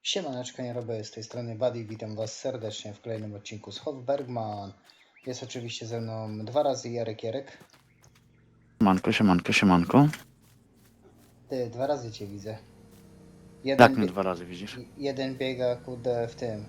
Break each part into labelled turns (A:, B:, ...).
A: Siemaneczko, nie robię z tej strony Buddy, witam was serdecznie w kolejnym odcinku z Hofbergman. Jest oczywiście ze mną dwa razy Jarek.
B: Siemanko.
A: Ty, dwa razy cię widzę.
B: Jak mnie dwa razy widzisz?
A: Jeden biega w tym,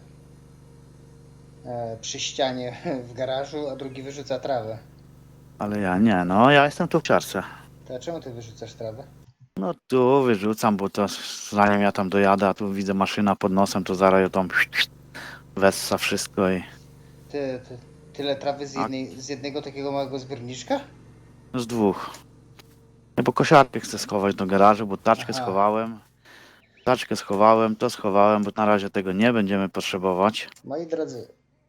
A: przy ścianie w garażu, a drugi wyrzuca trawę.
B: Ale ja nie, no ja jestem tu w ciarce.
A: To a czemu ty wyrzucasz trawę?
B: No tu wyrzucam, bo to zanim ja tam dojadę, a tu widzę maszyna pod nosem, to zaraz ją tam wessa wszystko i
A: Tyle trawy
B: a
A: z jednego takiego małego zbiorniczka?
B: z dwóch. Nie, bo kosiarkę chcę schować do garażu, bo taczkę
A: Aha,
B: schowałem. To schowałem, bo na razie tego nie będziemy potrzebować.
A: moi drodzy,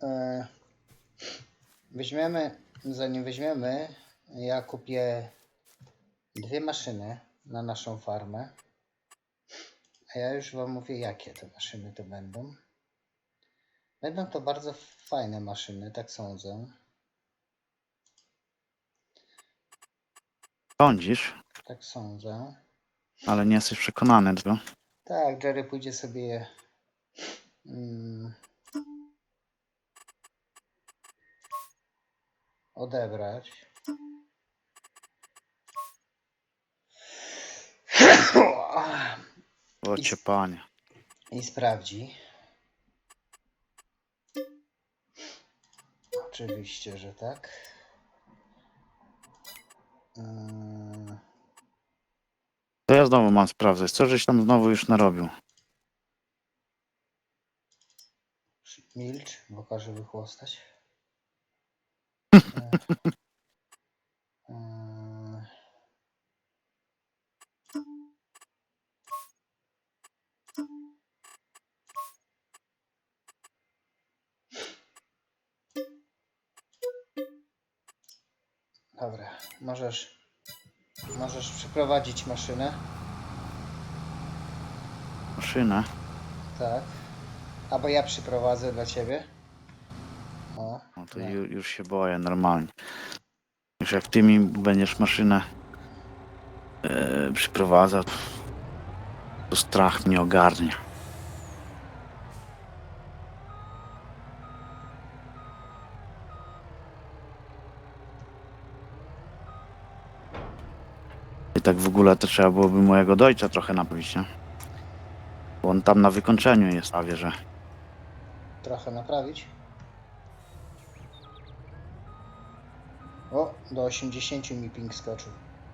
A: zanim weźmiemy, ja kupię dwie maszyny na naszą farmę. A ja już wam mówię, jakie te maszyny to będą. Będą to bardzo fajne maszyny, tak sądzę.
B: Sądzisz,
A: Tak sądzę.
B: ale nie jesteś przekonany, co?
A: Tak, Jerry pójdzie sobie je mm, odebrać.
B: Ocie panie.
A: I sprawdzi. Oczywiście, że tak.
B: To ja znowu mam sprawdzać, co żeś tam znowu już narobił.
A: Milcz, bo każe wychłostać. Dobra, możesz przeprowadzić maszynę.
B: Maszynę?
A: Tak. Albo ja przyprowadzę dla ciebie. O,
B: No to
A: no.
B: już się boję normalnie. Już jak ty mi będziesz maszynę przyprowadzał, to strach mnie ogarnia. I tak w ogóle to trzeba byłoby mojego dojca trochę naprawić, nie? Bo on tam na wykończeniu jest, a wie, że
A: Trochę naprawić. O, do 80 mi ping skoczył.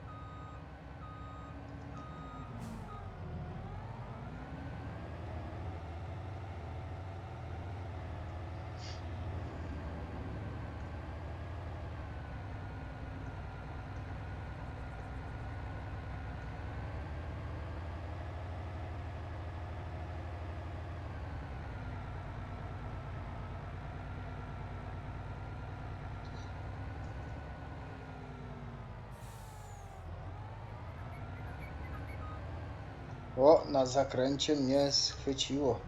A: O, na zakręcie mnie schwyciło.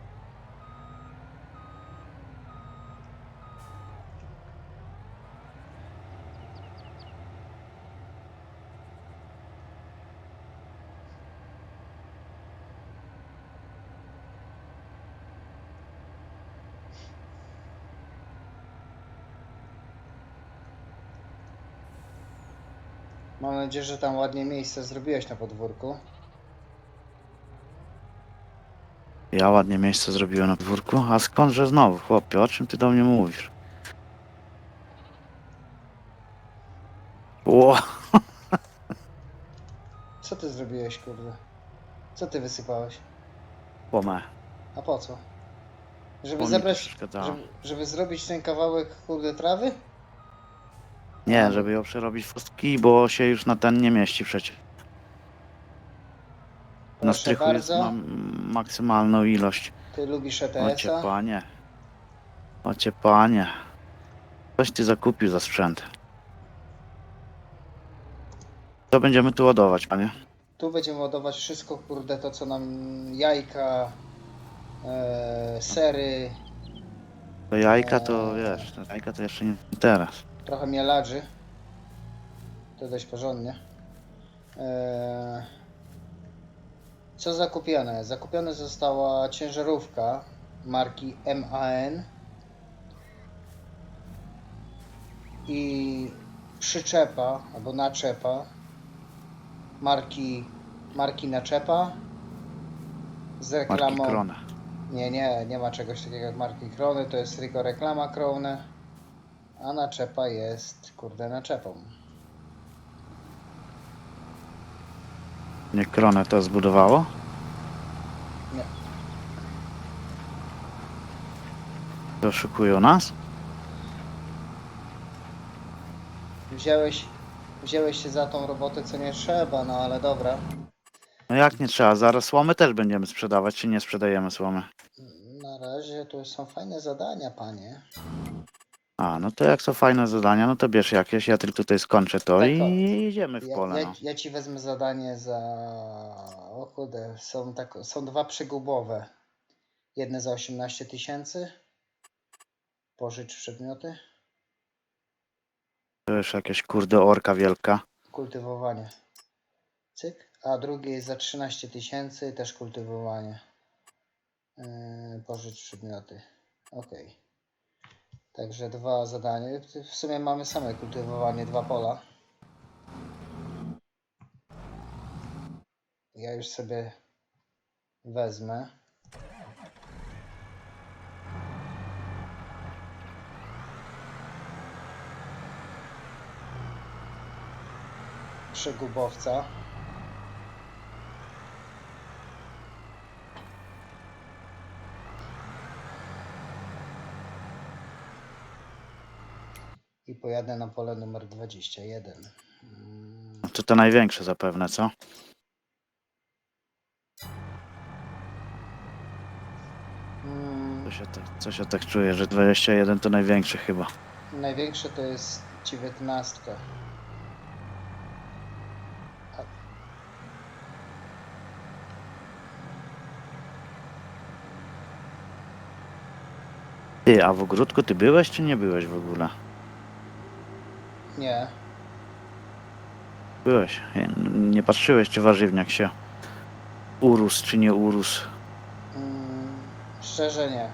A: Mam nadzieję, że tam ładnie miejsce zrobiłeś na podwórku.
B: ja ładnie miejsce zrobiłem na podwórku. A skądże znowu, chłopie, o czym ty do mnie mówisz? Ło,
A: Co ty zrobiłeś, kurde? Co ty wysypałeś?
B: łomę,
A: A po co? Żeby
B: bo mi to
A: zebrać,
B: przeszkadzało.
A: żeby zrobić ten kawałek, kurde, trawy?
B: Nie, żeby ją przerobić w kostki, bo się już na ten nie mieści przecież. Na
A: Proszę
B: strychu jest,
A: bardzo.
B: mam maksymalną ilość.
A: Ty lubisz
B: Ocie
A: ETS-a?
B: panie. Ocie panie. Coś ty zakupił za sprzęt. Co będziemy tu ładować, panie?
A: Tu będziemy ładować wszystko, kurde, to co nam jajka, sery,
B: To jajka to wiesz, to jajka to jeszcze nie teraz.
A: trochę mielarzy. To dość porządnie. Co zakupione? Zakupiona została ciężarówka marki MAN i przyczepa albo naczepa marki naczepa z
B: Marki
A: reklamą.
B: Krone.
A: Nie ma czegoś takiego jak marki Krony, to jest tylko reklama Krone, a naczepa jest kurde naczepą.
B: Nie Krone to zbudowało?
A: Nie.
B: To oszukują nas?
A: Wziąłeś się za tą robotę, co nie trzeba, no ale dobra.
B: No jak nie trzeba? Zaraz słomy też będziemy sprzedawać, czy nie sprzedajemy słomy?
A: Na razie to są fajne zadania, panie.
B: A, no to jak są fajne zadania, no to bierz jakieś, ja tylko tutaj skończę to
A: Tak,
B: i
A: o.
B: idziemy w pole, no.
A: Ja ci wezmę zadanie za... O kurde, są dwa przegubowe. Jedne za 18 000. Pożycz przedmioty.
B: To już jakieś kurde orka wielka.
A: Kultywowanie. Cyk. A drugie jest za 13 000, też kultywowanie. Pożycz przedmioty. Ok. Także dwa zadania. W sumie mamy same kultywowanie, dwa pola. Ja już sobie wezmę. Przegubowca. I pojadę na pole numer 21.
B: No to największe zapewne, co? Coś ja tak czuję, że 21 to największy chyba.
A: Największe to jest 19.
B: Ty, a w ogródku ty byłeś, czy nie byłeś w ogóle?
A: Nie.
B: Byłeś. Nie patrzyłeś, czy warzywniak się urósł, czy nie urósł.
A: Szczerze nie.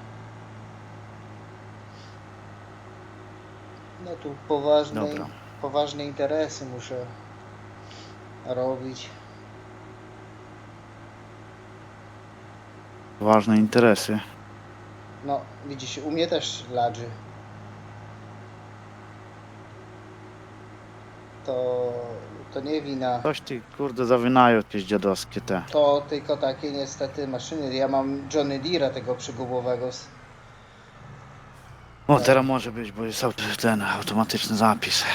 A: No tu
B: Dobra.
A: poważne interesy muszę robić.
B: Ważne interesy.
A: No, widzisz, u mnie też ladży. To nie wina.
B: Coś ty, kurde, zawinają jakieś dziadowskie te.
A: To tylko takie niestety maszyny. Ja mam Johnny Deere'a tego przygubowego.
B: O, teraz może być, bo jest ten automatyczny zapis.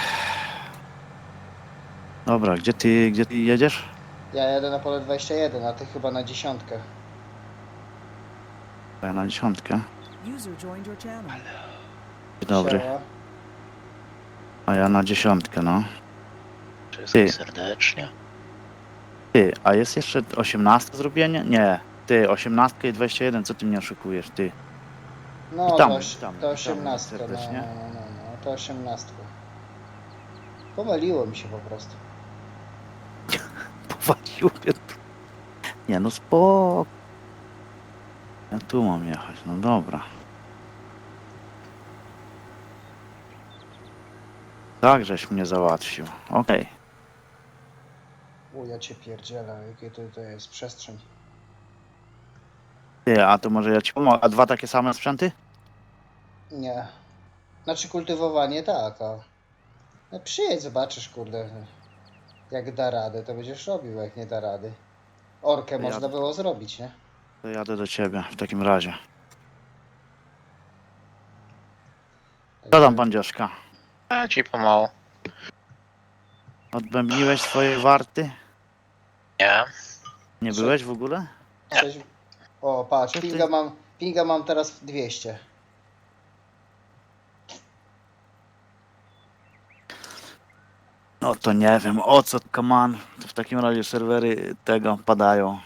B: Dobra, gdzie ty jedziesz?
A: Ja jadę na pole 21, a ty chyba na 10.
B: Ja na 10.
C: User joined your channel.
B: Dzień dobry.
A: Siema.
B: A ja na 10, no.
D: Wszystkich serdecznie.
B: Ty, a jest jeszcze 18 zrobienie? Nie. Ty, 18 i 21, co ty mnie oszukujesz, ty?
A: No,
B: Witamy,
A: to
B: witamy
A: 18.
B: serdecznie.
A: No, to 18. Pomyliło mi się po prostu.
B: Powalił mnie tu. Nie, no spoko. Ja tu mam jechać, no dobra. Tak, żeś mnie załatwił. Okej.
A: O, ja cię pierdzielę, jakie to jest przestrzeń.
B: Ty, a to może ja ci pomogę. A dwa takie same sprzęty?
A: Nie. Znaczy kultywowanie tak, a... No przyjedź, zobaczysz, kurde. Jak da radę, to będziesz robił, a jak nie da rady. Orkę
B: Ja-
A: można było zrobić, nie?
B: To jadę do ciebie w takim razie. Co tam, bandzioszka?
D: A ci pomału.
B: Odbębniłeś swoje warty?
D: Nie.
B: Nie
A: Co?
B: byłeś w ogóle?
A: Coś... O, patrz,
B: Co ty?
A: pinga mam teraz 200.
B: No to nie wiem, o co kaman. To w takim razie serwery tego padają.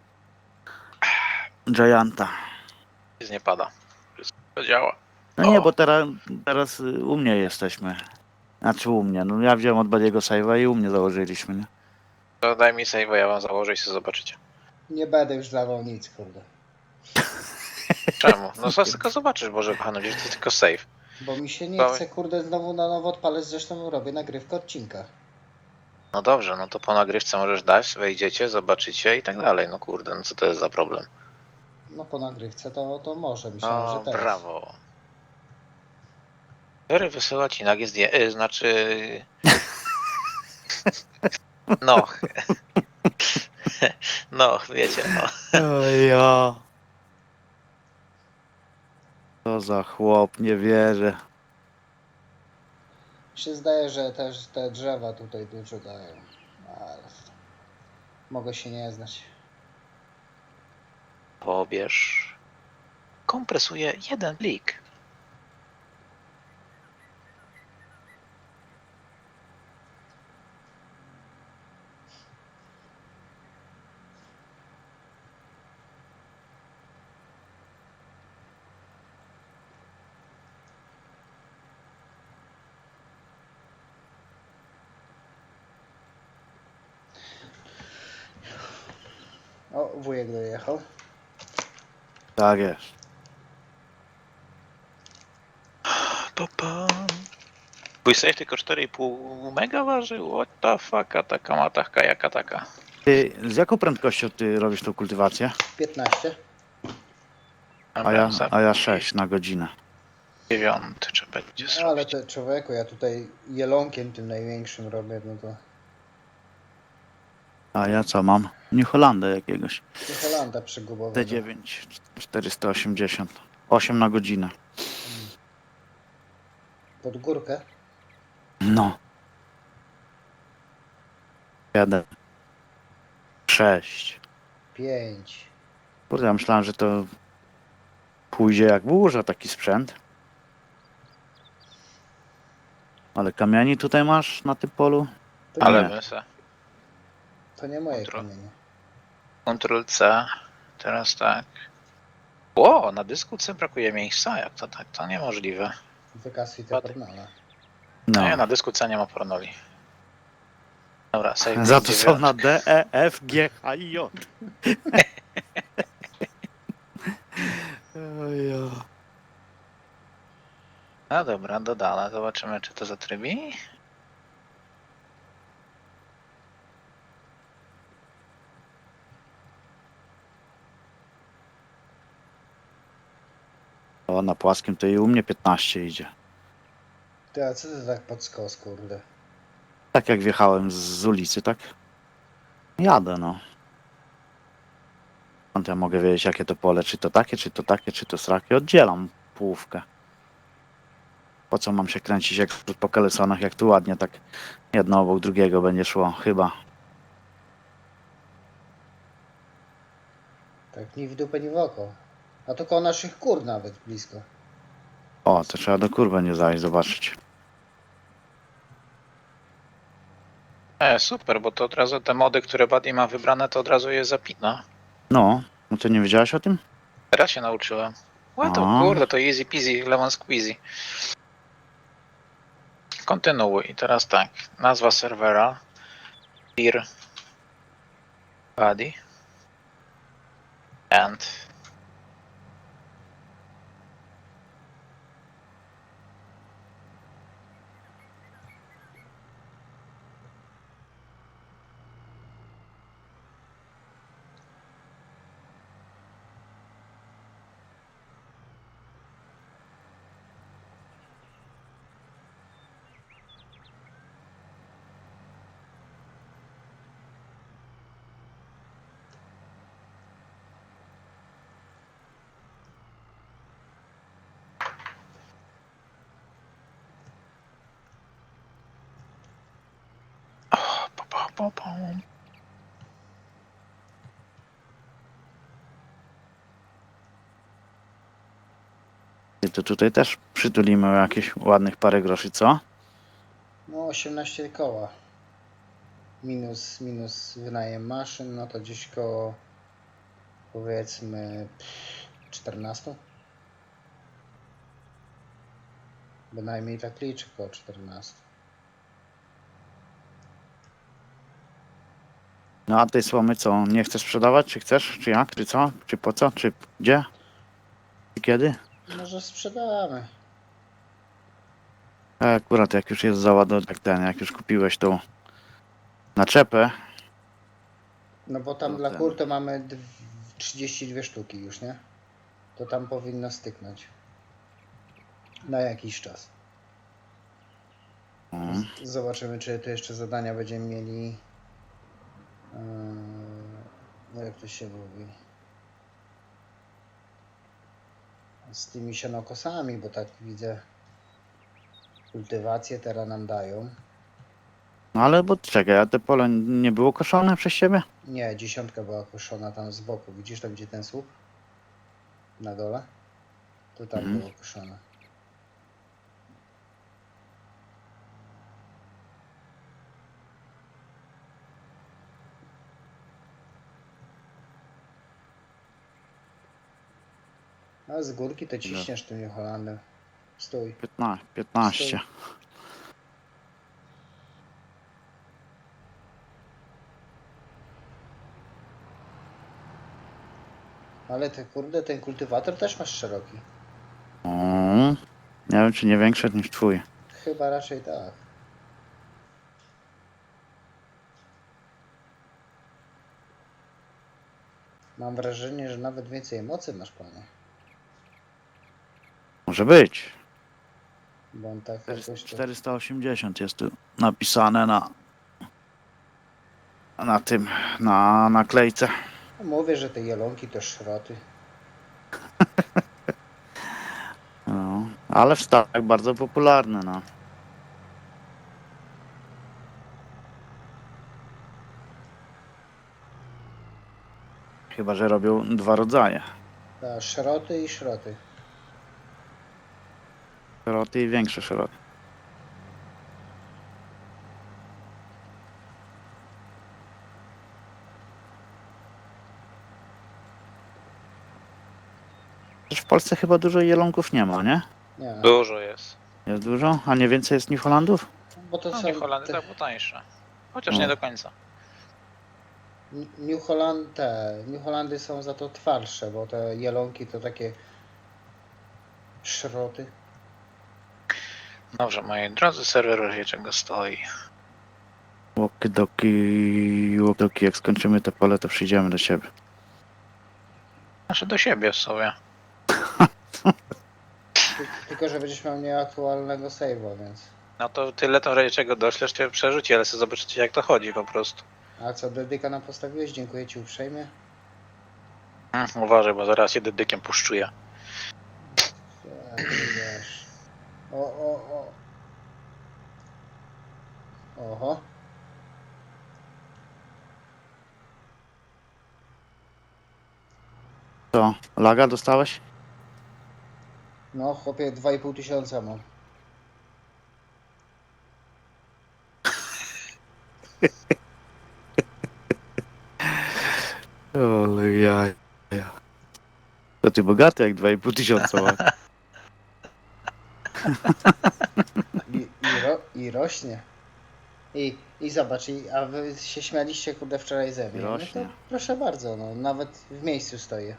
B: Gianta.
D: Nic nie pada. Wszystko działa.
B: No nie,
D: O.
B: bo teraz u mnie jesteśmy. Znaczy u mnie, no ja wziąłem od Badiego save'a i u mnie założyliśmy, nie?
D: To daj mi save, ja wam założę i sobie zobaczycie.
A: Nie będę już dawał nic, kurde.
D: Czemu? No zaraz tylko zobaczysz, Boże kochany, że to jest tylko save.
A: Bo mi się nie
D: Dawaj.
A: chce, kurde, znowu na nowo odpalać, zresztą robię nagrywkę odcinka.
D: No dobrze, no to po nagrywce możesz dać, wejdziecie, zobaczycie i tak dalej. No kurde, no co to jest za problem?
A: No po nagrywce to może, myślałem, że
D: O,
A: teraz.
D: brawo. Jerry wysyła ci nagie znaczy... No. No, wiecie, no.
B: Ja. Co za chłop, nie wierzę.
A: Mi się zdaje, że też te drzewa tutaj dużo dają. Ale mogę się nie znać.
D: Pobierz. Kompresuje jeden plik.
A: O, wujek dojechał.
B: Tak jest.
D: Twój safe tylko 4,5 mega waży? What the fuck, a taka matachka jaka taka?
B: Ty, z jaką prędkością ty robisz tą kultywację?
A: 15.
B: A ja 6 na godzinę.
D: 9 czy będzie
A: No, ale
D: zrobić.
A: te człowieku, ja tutaj jelonkiem tym największym robię, no to
B: A ja co mam? New Hollanda jakiegoś.
A: New Hollanda przygubowego.
B: T9 480. 8 na godzinę.
A: Pod górkę.
B: No. 7. 6.
A: 5.
B: Kurde, ja myślałem, że to pójdzie jak burza taki sprzęt. Ale kamieni tutaj masz na tym polu?
A: To,
D: Ale
B: nie.
D: my
A: to nie moje
D: Kontrol.
A: kamienie.
D: Ctrl C. Teraz tak. O, na dysku C brakuje miejsca? Jak to tak? To niemożliwe.
A: Wykasuj te
D: Ładnie.
A: pornole.
B: No.
D: Nie, na dysku C nie ma pornoli. Dobra, save.
B: Za to są na D, E, F, G, H i J. Ojo.
D: No dobra, dodane. Zobaczymy, czy to zatrybi.
B: O, na płaskim to i u mnie 15 idzie.
A: Ty, a co ty tak pod skos, kurde?
B: Tak jak wjechałem z ulicy, tak? Jadę, no. Skąd ja mogę wiedzieć, jakie to pole? Czy to takie, czy to takie, czy to srakie? Oddzielam połówkę. Po co mam się kręcić jak po kalesonach, jak tu ładnie tak jedno obok drugiego będzie szło, chyba.
A: Tak ni w dupę, ni w oko. A to koło naszych kur nawet blisko.
B: O, to trzeba do kur będzie zajść, zobaczyć.
D: Super, bo to od razu te mody, które Buddy ma wybrane, to od razu je zapina.
B: No, no to nie wiedziałeś o tym?
D: Teraz się nauczyłem. Ła to
B: A.
D: kurde, to easy peasy, lemon squeezy. Kontynuuj. I teraz tak. Nazwa serwera. Peer. Buddy. And. Pom.
B: I to tutaj też przytulimy o jakieś ładnych parę groszy, co?
A: No 18 koła. Minus wynajem maszyn, no to gdzieś koło powiedzmy 14. Bynajmniej tak liczę, koło 14.
B: No a tej słomy co, nie chcesz sprzedawać? Czy chcesz? Czy jak? Czy co? Czy po co? Czy gdzie? Czy kiedy?
A: Może sprzedamy.
B: Akurat jak już jest załadowanie, jak już kupiłeś tą naczepę,
A: No bo tam
B: To
A: dla
B: ten.
A: kur to mamy 32 sztuki już, nie? To tam powinno styknąć. Na jakiś czas.
B: mm,
A: Zobaczymy, czy tu jeszcze zadania będziemy mieli. No jak to się mówi? Z tymi sianokosami, bo tak widzę. Kultywację teraz nam dają.
B: no ale bo czekaj, a te pole nie było koszone przez siebie?
A: Nie, 10 była koszona tam z boku. Widzisz tam, gdzie ten słup? Na dole? To tam
B: Mhm.
A: było koszone. A z górki to ciśniesz tym New Hollandem. Stój.
B: 15.
A: Ale ty kurde, ten kultywator też masz szeroki.
B: Nie wiem, czy nie większy niż twój.
A: Chyba raczej tak. Mam wrażenie, że nawet więcej mocy masz, panie.
B: Może być.
A: Bo on tak jakoś to...
B: 480 jest tu napisane na tym, na naklejce.
A: No, mówię, że te jelonki to szroty.
B: No, ale w Stanach bardzo popularne, no. Chyba że robią dwa rodzaje.
A: Ta, szroty i szroty.
B: Szeroty i większe szeroty. Też w Polsce chyba dużo jelonków nie ma, nie?
A: Nie,
D: Dużo jest.
B: Jest dużo? A nie więcej jest New Hollandów?
A: bo to
D: No
A: są...
D: nie Holandy
A: te-
D: tak było tańsze. Chociaż
B: No.
D: nie do końca.
A: New Holandy są za to twardsze, bo te jelonki to takie szroty.
D: Dobrze, moi drodzy, serwer w razie czego stoi.
B: Łokidoki, jak skończymy te pole, to przyjdziemy do siebie.
D: Znaczy do siebie w sobie.
A: Tylko, że będziesz miał nieaktualnego save'a, więc...
D: No to tyle to w razie czego doślesz, cię przerzuci, ale sobie zobaczycie jak to chodzi po prostu.
A: A co, dedyka nam postawiłeś? Dziękuję ci uprzejmie.
D: Uważaj, bo zaraz się dedykiem puszczuje.
A: Tak, wiesz. O. Oho.
B: Co, laga dostałeś?
A: No, chłopie, 2,5 tysiąca mam.
B: Ale ja. To ty bogaty jak 2,5 tysiąca ma.
A: I rośnie. I zobacz, a wy się śmialiście, kurde, wczoraj ze mnie.
B: I
A: No
B: rośnie.
A: to proszę bardzo, no, nawet w miejscu stoję.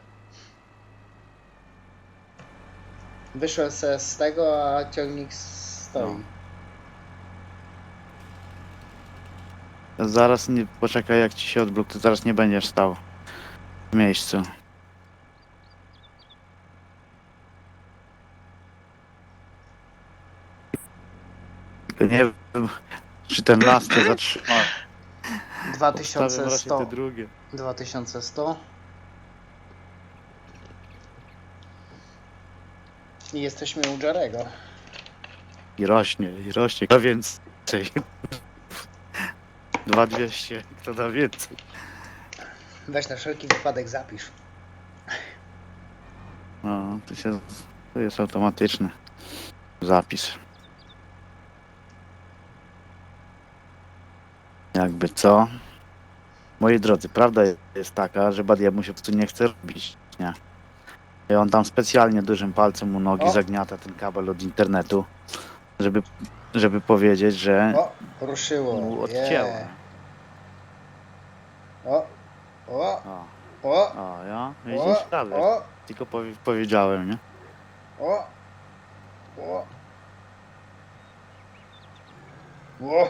A: Wyszłem se z tego, a ciągnik stoi.
B: No. Zaraz nie, poczekaj jak ci się odblokuje, to zaraz nie będziesz stał w miejscu. Tylko nie wiem, czy ten las to zatrzyma. Obstawiam raczej
A: 2100.
B: te drugie.
A: 2100. I jesteśmy u Jarego.
B: I rośnie, kto da więcej. 2200, kto da więcej.
A: Weź na wszelki wypadek zapisz.
B: No, to jest automatyczny zapis. Jakby co? Moi drodzy, prawda jest taka, że Badiemu się po prostu nie chce robić, nie? I on tam specjalnie dużym palcem u nogi
A: O!
B: zagniata ten kabel od internetu, żeby powiedzieć, że
A: O, ruszyło.
B: mu odcięło.
A: O, o,
B: O,
A: o,
B: o, ja?
A: o,
B: Widzisz? Prawie.
A: o,
B: Tylko powiedziałem, nie?
A: o, o, o.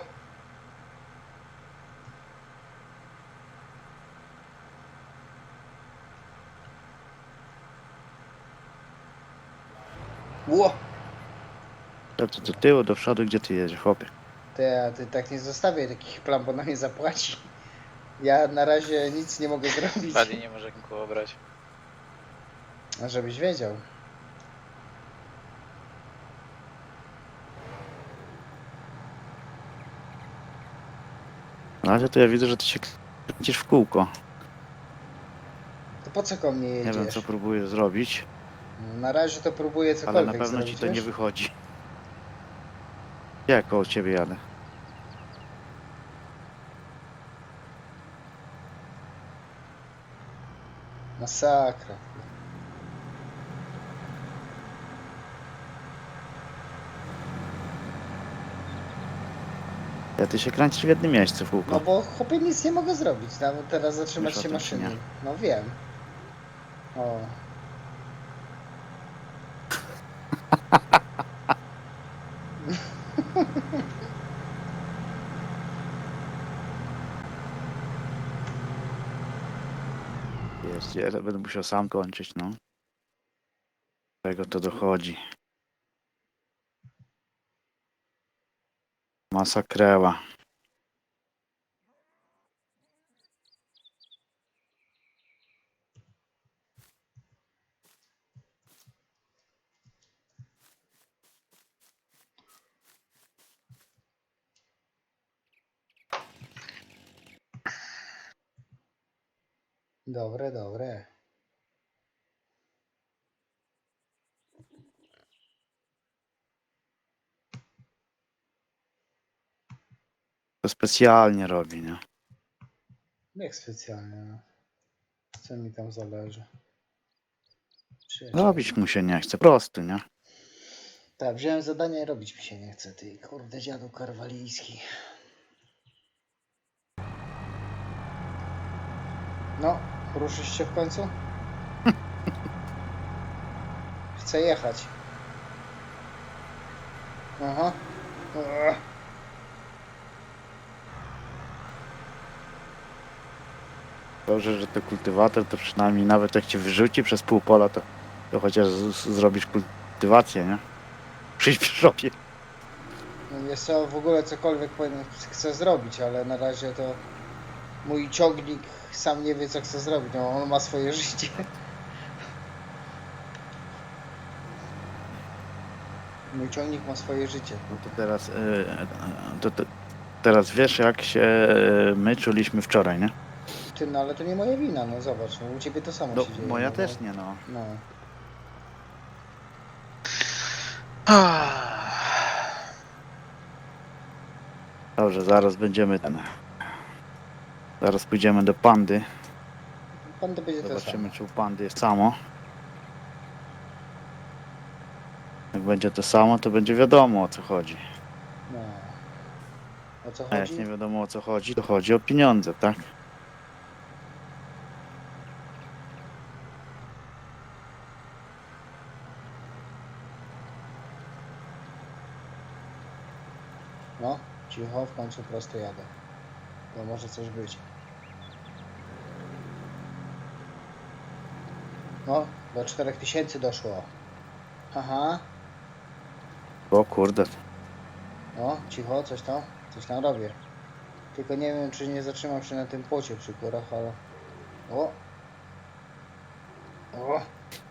A: Ło!
B: To do tyłu, do przodu, gdzie ty jedziesz, chłopie?
A: Ty tak nie zostawię takich plan, bo na mnie zapłaci. Ja na razie nic nie mogę zrobić.
D: Buddy nie może nikogo brać.
A: Żebyś wiedział.
B: Na razie to ja widzę, że ty się kręcisz w kółko.
A: To po co ko mnie
B: Nie wiem, co
A: jedziesz?
B: próbujesz zrobić,
A: Na razie to próbuję
B: ale
A: cokolwiek
B: na pewno
A: zrobić,
B: ci to nie
A: wiesz?
B: wychodzi. Ja koło ciebie jadę.
A: Masakra.
B: Ja ty się kręcisz w jednym miejscu w kółko.
A: No bo chłopie nic nie mogę zrobić. Nawet teraz zatrzymać
B: Wiesz o
A: się
B: tym, czy
A: maszyny.
B: nie?
A: No wiem. O.
B: Jest, ja będę musiał sam kończyć, no. Do tego to dochodzi. Masakreła.
A: Dobre, dobre.
B: To specjalnie robi, nie?
A: Jak specjalnie, no. Co mi tam zależy?
B: Robić mu się nie chce, prosty, nie?
A: Tak, wziąłem zadanie, robić mi się nie chce. Ty kurde dziadu karwalijski. No, ruszysz się w końcu? Chcę jechać. Aha. Ugh.
B: Dobrze, że to kultywator, to przynajmniej nawet jak cię wyrzuci przez pół pola, to chociaż zrobisz kultywację, nie? Przyjdź przy szopie.
A: No wiesz co, w ogóle cokolwiek chcę zrobić, ale na razie to mój ciągnik sam nie wie co chce zrobić. No, on ma swoje życie. Mój ciągnik ma swoje życie.
B: No to teraz, teraz wiesz, jak się my czuliśmy wczoraj, nie?
A: Ty, no ale to nie moja wina, no zobacz, no, u ciebie to samo
B: No,
A: się dzieje.
B: moja
A: no,
B: też
A: bo-
B: nie, no.
A: No.
B: Dobrze, zaraz będziemy ten. Zaraz pójdziemy do pandy.
A: Pan to będzie to samo.
B: Zobaczymy, czy u pandy jest samo. Jak będzie to samo, to będzie wiadomo, o co chodzi.
A: No. O co
B: A jak
A: chodzi?
B: nie wiadomo, o co chodzi, to chodzi o pieniądze, tak?
A: No, cicho, w końcu prosto jadę. To może coś być. No, do 4000 doszło. Aha,
B: O kurde.
A: no, cicho, coś tam robię. Tylko nie wiem, czy nie zatrzymam się na tym płocie przy górach, ale... O! O!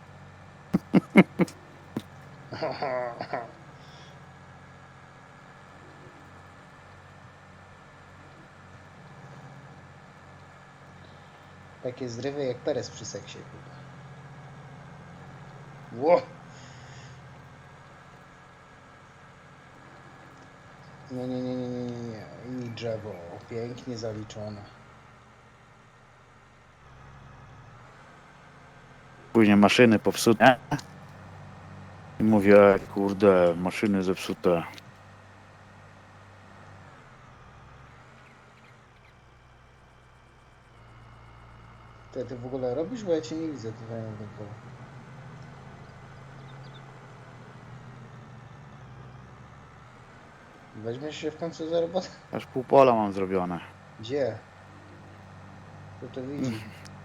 A: Takie zrywy jak Perez przy seksie. Ło! Nie, nie, nie, nie, nie, nie, nie. I drzewo. Pięknie zaliczone.
B: Później maszyny popsute. I mówię, kurde, maszyny zepsute.
A: Czekaj, ty w ogóle robisz, bo ja cię nie widzę tutaj na tym polu. Weźmiesz się w końcu za robotę?
B: Aż pół pola mam zrobione.
A: Gdzie? Kto to widzi?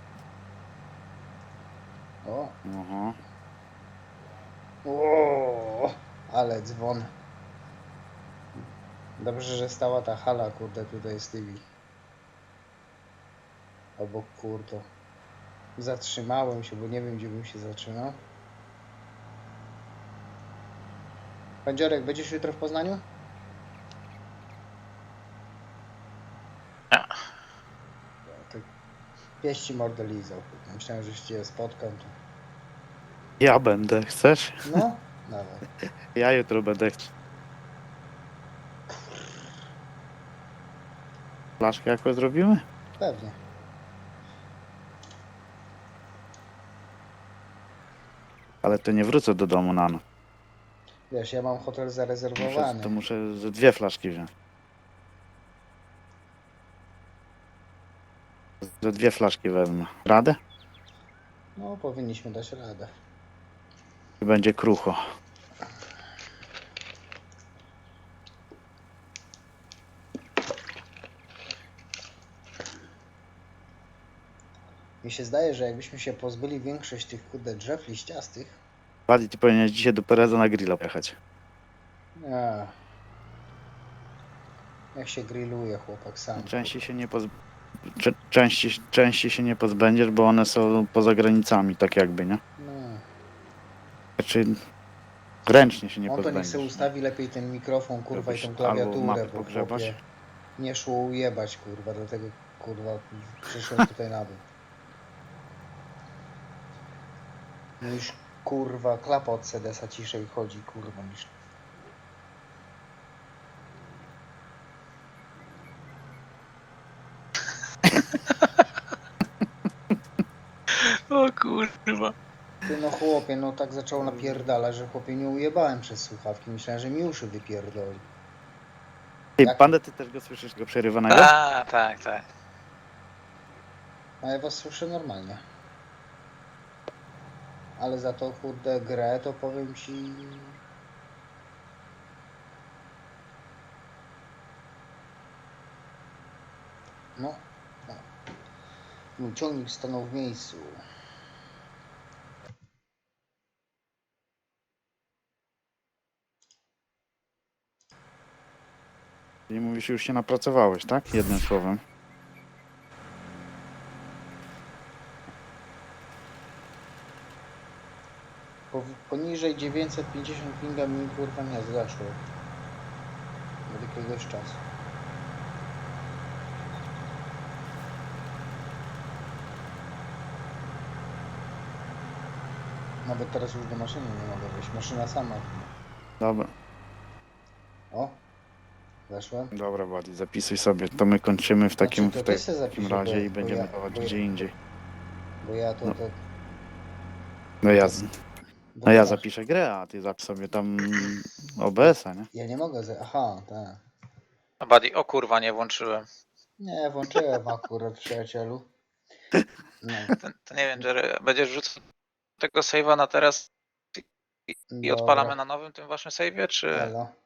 A: O!
B: Aha.
A: O! Ale dzwon. Dobrze, że stała ta hala, kurde, tutaj z tymi. Obok kurde. Zatrzymałem się, bo nie wiem, gdzie bym się zatrzymał. Pandziorek, będziesz jutro w Poznaniu?
D: Nie.
A: Tak. Pieści mordę lizał. Myślałem, że się cię spotkam. To...
B: Ja będę, chcesz?
A: No, dawaj.
B: Ja jutro będę. Flaszkę jakoś zrobimy?
A: Pewnie.
B: Ale to nie wrócę do domu na noc.
A: Wiesz, ja mam hotel
B: Muszę,
A: zarezerwowany.
B: to muszę ze 2 flaszki wziąć. Ze 2 flaszki wezmę. Radę?
A: No, powinniśmy dać radę.
B: I będzie krucho.
A: Mi się zdaje, że jakbyśmy się pozbyli większość tych kurde drzew liściastych.
B: Bardziej ty powinieneś dzisiaj do Pereza na grilla pojechać.
A: A, jak się grilluje chłopak sam.
B: Częściej się nie częściej się nie pozbędziesz, bo one są poza granicami, tak jakby, nie?
A: No.
B: Znaczy ręcznie się nie
A: On to niech
B: pozbędziesz.
A: sobie ustawi lepiej ten mikrofon, kurwa, i
B: Robisz
A: tą
B: albo
A: klawiaturę,
B: mapy
A: bo
B: pogrzebać.
A: chłopie nie szło ujebać, kurwa, dlatego, kurwa, przyszłem tutaj na dół. No już, kurwa, klapa od sedesa ciszej chodzi, kurwa, niż...
D: O kurwa.
A: Ty no chłopie, no tak zaczął napierdalać, że chłopie nie ujebałem przez słuchawki, myślałem, że mi uszy wypierdoli.
B: Ty,
A: Jak-
B: Pandę, ty też go słyszysz, tego przerywanego?
D: A, tak, tak.
A: A ja was słyszę normalnie. Ale za to kurde grę to powiem ci... No, no. Mój ciągnik stanął w miejscu.
B: I mówisz, już się napracowałeś, tak? Jednym słowem.
A: Poniżej 950 pinga mi kurwa nie zgaszło. Od jakiegoś czasu. Nawet teraz już do maszyny nie mogę wejść. Maszyna sama.
B: Dobra,
A: O! Weszłem.
B: dobra, Wadi, zapisuj sobie. To my kończymy w takim,
A: Znaczy, to ty se
B: w takim
A: zapisz, bo
B: razie
A: ja-
B: i
A: bo
B: będziemy
A: ja-
B: dawać
A: bo ja-
B: gdzie indziej.
A: Bo ja to...
B: No.
A: to
B: No ja,
A: bo
B: no ja
A: masz-
B: zapiszę grę, a ty zapisz sobie tam OBS-a, nie?
A: Ja nie mogę... Aha, tak.
D: A Buddy, o kurwa, nie włączyłem.
A: Nie, włączyłem akurat, przyjacielu. No,
D: To nie wiem, Jerry, będziesz rzucał tego save'a na teraz i
A: dobra.
D: odpalamy na nowym tym waszym save'ie, czy...
A: Elo.